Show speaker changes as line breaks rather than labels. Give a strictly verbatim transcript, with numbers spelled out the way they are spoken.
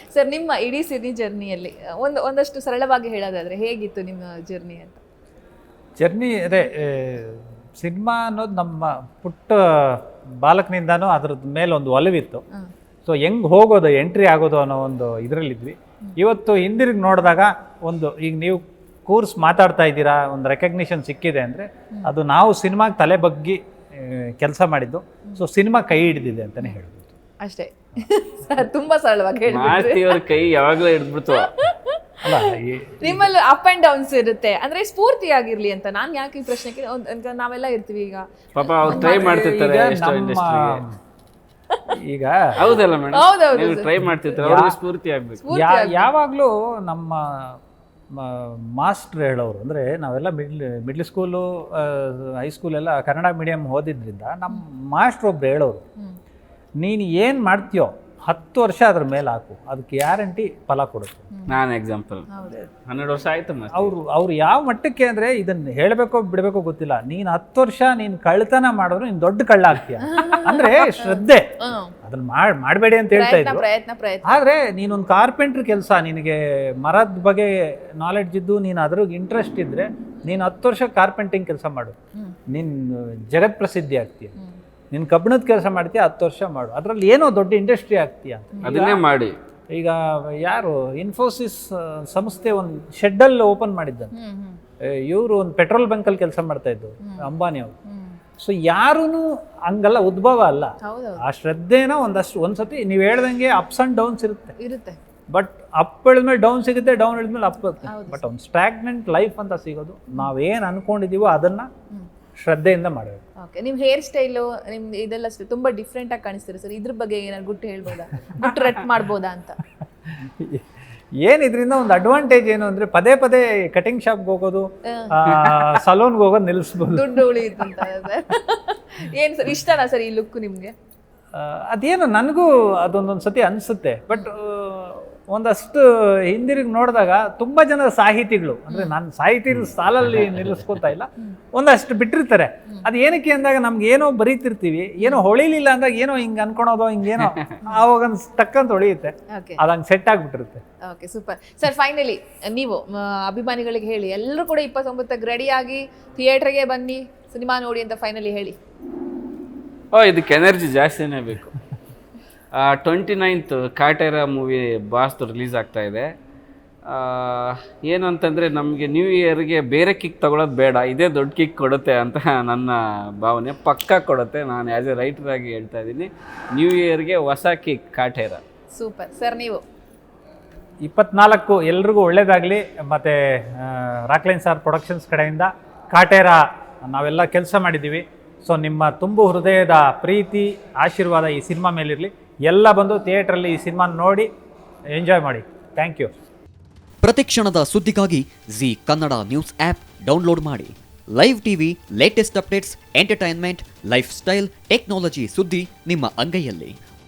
Sir ನಿಮ್ಮ ಇಡೀ cine ಜರ್ನಿಯಲ್ಲಿ ಒಂದು ಒಂದಷ್ಟು ಸರಳವಾಗಿ ಹೇಳೋದಾದ್ರೆ ಹೇಗಿತ್ತು ನಿಮ್ಮ ಜರ್ನಿ ಅಂತ?
ಜರ್ನಿ ಅದೇ ಸಿನಿಮಾ ಅನ್ನೋದು ನಮ್ಮ ಪುಟ್ಟ ಬಾಲಕನಿಂದಾನು ಅದ್ರದ್ದು ಮೇಲೆ ಒಂದು ಒಲವಿತ್ತು. ಸೊ ಹೆಂಗೆ ಹೋಗೋದು ಎಂಟ್ರಿ ಆಗೋದು ಅನ್ನೋ ಒಂದು ಇದರಲ್ಲಿದ್ವಿ. ಇವತ್ತು ಹಿಂದಿರುಗಿ ನೋಡಿದಾಗ ಒಂದು ಈಗ ನೀವು ಕೋರ್ಸ್ ಮಾತಾಡ್ತಾ ಇದ್ದೀರಾ, ಒಂದು ರೆಕಗ್ನಿಷನ್ ಸಿಕ್ಕಿದೆ ಅಂದರೆ ಅದು ನಾವು ಸಿನಿಮಾಗೆ ತಲೆ ಬಗ್ಗಿ ಕೆಲಸ ಮಾಡಿದ್ದು. ಸೊ ಸಿನಿಮಾ ಕೈ ಹಿಡಿದಿದೆ ಅಂತಲೇ ಹೇಳ್ಬೋದು
ಅಷ್ಟೇ. ತುಂಬಾ ಸರಳವಾಗಿ
ಹೇಳಿ ಕೈ ಯಾವಾಗಲೂ ಹಿಡಿದ್ಬಿಡ್ತು.
ಅಲ್ಲ,
ನಿಮ್ಮಲ್ಲಿ ಅಪ್ ಅಂಡ್ ಡೌನ್ಸ್ ಇರುತ್ತೆ ಅಂದ್ರೆ ಸ್ಫೂರ್ತಿಯಾಗಿರ್ಲಿ ಅಂತ ನಾನು ಯಾಕೆ ಈ ಪ್ರಶ್ನೆಗೆ ನಾವೆಲ್ಲ ಇರ್ತೀವಿ ಈಗ
ಪಾಪ ಅವ್ರು ಟ್ರೈ ಮಾಡ್ತಿರ್ತಾರೆ
ಈಗ.
ಹೌದಲ್ಲ ಮೇಡಮ್, ಟ್ರೈ ಮಾಡ್ತಿರ್ತಾರೆ, ಅವ್ರಿಗೆ ಸ್ಫೂರ್ತಿ ಆಗ್ಬೇಕು.
ಯಾವಾಗಲೂ ನಮ್ಮ ಮಾಸ್ಟ್ರ್ ಹೇಳೋರು ಅಂದರೆ ನಾವೆಲ್ಲ ಮಿಡ್ಲ್ ಮಿಡ್ಲ್ ಸ್ಕೂಲು ಹೈಸ್ಕೂಲ್ ಎಲ್ಲ ಕನ್ನಡ ಮೀಡಿಯಮ್ ಓದಿದ್ರಿಂದ ನಮ್ಮ ಮಾಸ್ಟ್ರ್ ಒಬ್ರು ಹೇಳೋರು, ನೀನು ಏನು ಮಾಡ್ತೀಯೋ ಹತ್ತು ವರ್ಷ ಅದ್ರ ಮೇಲೆ ಹಾಕು, ಅದಕ್ಕೆ ಗ್ಯಾರಂಟಿ ಫಲ ಕೊಡುತ್ತೆ.
ನಾನು ಎಕ್ಸಾಂಪಲ್ ಹನ್ನೆರಡು ವರ್ಷ ಆಯ್ತು.
ಅವರು ಅವ್ರು ಯಾವ ಮಟ್ಟಕ್ಕೆ ಅಂದರೆ ಇದನ್ನು ಹೇಳಬೇಕೋ ಬಿಡಬೇಕೋ ಗೊತ್ತಿಲ್ಲ, ನೀನು ಹತ್ತು ವರ್ಷ ನೀನು ಕಳ್ತನ ಮಾಡಿದ್ರು ನೀನು ದೊಡ್ಡ ಕಳ್ಳ ಆಗ್ತೀಯ ಅಂದರೆ ಶ್ರದ್ಧೆ. ಅದನ್ನ ಮಾಡಿ ಮಾಡಬೇಡಿ ಅಂತ ಹೇಳ್ತಾ ಇದ್ರು. ಆದರೆ ನೀನೊಂದು ಕಾರ್ಪೆಂಟ್ರ್ ಕೆಲಸ, ನಿನಗೆ ಮರದ ಬಗ್ಗೆ ನಾಲೆಡ್ಜ್ ಇದ್ದು ನೀನು ಅದ್ರಾಗ ಇಂಟ್ರೆಸ್ಟ್ ಇದ್ದರೆ ನೀನು ಹತ್ತು ವರ್ಷ ಕಾರ್ಪೆಂಟಿಂಗ್ ಕೆಲಸ ಮಾಡು, ನೀನು ಜಗತ್ ಪ್ರಸಿದ್ಧಿ ಆಗ್ತೀಯ. ನೀನು ಕಬ್ಬಿಣದ ಕೆಲಸ ಮಾಡ್ತೀಯ, ಹತ್ತು ವರ್ಷ ಮಾಡು, ಅದರಲ್ಲಿ ಏನೋ ದೊಡ್ಡ ಇಂಡಸ್ಟ್ರಿ ಆಗ್ತೀಯ ಅಂತ.
ಅದನ್ನೇ ಮಾಡಿ.
ಈಗ ಯಾರು ಇನ್ಫೋಸಿಸ್ ಸಂಸ್ಥೆ ಒಂದು ಶೆಡ್ಡಲ್ಲಿ ಓಪನ್ ಮಾಡಿದ್ದಂತೆ, ಇವರು ಒಂದು ಪೆಟ್ರೋಲ್ ಬಂಕಲ್ಲಿ ಕೆಲಸ ಮಾಡ್ತಾ ಇದ್ದು ಅಂಬಾನಿ ಅವರು. ಸೊ ಯಾರೂ ಹಂಗಲ್ಲ, ಉದ್ಭವ ಅಲ್ಲ. ಆ ಶ್ರದ್ಧೆನ ಒಂದಷ್ಟು ಒಂದ್ಸತಿ ನೀವು ಹೇಳ್ದಂಗೆ ಅಪ್ಸ್ ಅಂಡ್ ಡೌನ್ಸ್ ಇರುತ್ತೆ ಇರುತ್ತೆ ಬಟ್ ಅಪ್ ಹೇಳಿದ್ಮೇಲೆ ಡೌನ್ ಸಿಗುತ್ತೆ, ಡೌನ್ ಹೇಳಿದ್ಮೇಲೆ ಅಪ್ ಬರುತ್ತೆ. ಬಟ್ ಒಂದು ಸ್ಟ್ಯಾಗ್ನೆಂಟ್ ಲೈಫ್ ಅಂತ ಸಿಗೋದು ನಾವೇನು ಅನ್ಕೊಂಡಿದೀವೋ ಅದನ್ನ ಶ್ರದ್ಧೆಯಿಂದ ಮಾಡಬೇಕು.
ಓಕೆ, ನಿಮ್ಮ ಹೇರ್ ಸ್ಟೈಲು ನಿಮ್ದು ಇದೆಲ್ಲ ತುಂಬ ಡಿಫ್ರೆಂಟ್ ಆಗಿ ಕಾಣಿಸ್ತೀರಿ ಸರ್. ಇದ್ರ ಬಗ್ಗೆ ಏನಾದ್ರು ಗುಟ್ಟು ಹೇಳ್ಬೋದಾ, ಗುಟ್ಟು ರಟ್ ಮಾಡ್ಬೋದಾ ಅಂತ?
ಏನು ಇದರಿಂದ ಒಂದು ಅಡ್ವಾಂಟೇಜ್ ಏನು ಅಂದರೆ ಪದೇ ಪದೇ ಕಟಿಂಗ್ ಶಾಪ್ಗೆ ಹೋಗೋದು, ಸಲೂನ್ಗೆ ಹೋಗೋದು ನಿಲ್ಲಿಸ್ಬೋದು,
ದುಡ್ಡು ಉಳಿಯುತ್ತೆ ಅಂತ. ಏನು ಸರ್ ಇಷ್ಟನಾ ಸರ್ ಈ ಲುಕ್ ನಿಮಗೆ?
ಅದೇನು ನನಗೂ ಅದೊಂದೊಂದು ಸತಿ ಅನಿಸುತ್ತೆ. ಬಟ್ ಒಂದಷ್ಟು ಹಿಂದಿರುಗಿ ನೋಡಿದಾಗ ತುಂಬ ಜನ ಸಾಹಿತಿಗಳು, ಅಂದರೆ ನಾನು ಸಾಹಿತಿ ಸಾಲಲ್ಲಿ ನಿಲ್ಲಿಸ್ಕೊತಾ ಇಲ್ಲ, ಒಂದಷ್ಟು ಬಿಟ್ಟಿರ್ತಾರೆ. ಅದು ಏನಕ್ಕೆ ಅಂದಾಗ ನಮ್ಗೆ ಏನೋ ಬರೀತಿರ್ತೀವಿ, ಏನೋ ಹೊಳಿಲಿಲ್ಲ ಅಂದಾಗ ಏನೋ ಹಿಂಗೆ ಅನ್ಕೊಳೋದು, ಹಿಂಗೇನೋ ಆವಾಗ ಟಕ್ಕಂತ ಹೊಳಿಯುತ್ತೆ, ಅದು ಹಂಗೆ ಸೆಟ್ ಆಗಿಬಿಟ್ಟಿರುತ್ತೆ.
Okay, super sir. ಫೈನಲಿ ನೀವು ಅಭಿಮಾನಿಗಳಿಗೆ ಹೇಳಿ, ಎಲ್ಲರೂ ಕೂಡ ಇಪ್ಪತ್ತೊಂಬತ್ತಕ್ಕೆ ರೆಡಿಯಾಗಿ ಥಿಯೇಟ್ರಿಗೆ ಬನ್ನಿ, ಸಿನಿಮಾ ನೋಡಿ ಅಂತ ಫೈನಲಿ ಹೇಳಿ.
ಓ, ಇದಕ್ಕೆ ಎನರ್ಜಿ ಜಾಸ್ತಿನೇ ಬೇಕು. ಟ್ವೆಂಟಿ ನೈನ್ತ್ ಕಾಟೇರ ಮೂವಿ ಬಾಸ್ದು ರಿಲೀಸ್ ಆಗ್ತಾ ಇದೆ. ಏನು ಅಂತಂದರೆ ನಮಗೆ ನ್ಯೂ ಇಯರ್ಗೆ ಬೇರೆ ಕಿಕ್ ತೊಗೊಳೋದು ಬೇಡ, ಇದೇ ದೊಡ್ಡ ಕಿಕ್ ಕೊಡುತ್ತೆ ಅಂತ ನನ್ನ ಭಾವನೆ. ಪಕ್ಕಾ ಕೊಡುತ್ತೆ. ನಾನು ಆ್ಯಸ್ ಎ ರೈಟರಾಗಿ ಹೇಳ್ತಾ ಇದ್ದೀನಿ, ನ್ಯೂ ಇಯರ್ಗೆ ಹೊಸ ಕಿಕ್ ಕಾಟೇರ.
Super sir. ನೀವು
ಇಪ್ಪತ್ನಾಲ್ಕು ಎಲ್ರಿಗೂ ಒಳ್ಳೇದಾಗಲಿ. ಮತ್ತು ರಾಕ್ಲೈನ್ ಸ್ಟಾರ್ ಪ್ರೊಡಕ್ಷನ್ಸ್ ಕಡೆಯಿಂದ ಕಾಟೇರ ನಾವೆಲ್ಲ ಕೆಲಸ ಮಾಡಿದ್ದೀವಿ. ಸೊ ನಿಮ್ಮ ತುಂಬು ಹೃದಯದ ಪ್ರೀತಿ ಆಶೀರ್ವಾದ ಈ ಸಿನಿಮಾ ಮೇಲಿರಲಿ. ಎಲ್ಲ ಬಂದು ಥಿಯೇಟ್ರಲ್ಲಿ ಈ ಸಿನಿಮಾ ನೋಡಿ ಎಂಜಾಯ್ ಮಾಡಿ. Thank you.
ಪ್ರತಿಕ್ಷಣದ ಸುದ್ದಿಗಾಗಿ Zee Kannada news app download ಮಾಡಿ. Live TV, latest updates, entertainment, lifestyle, technology ಸುದ್ದಿ ನಿಮ್ಮ ಅಂಗೈಯಲ್ಲಿ.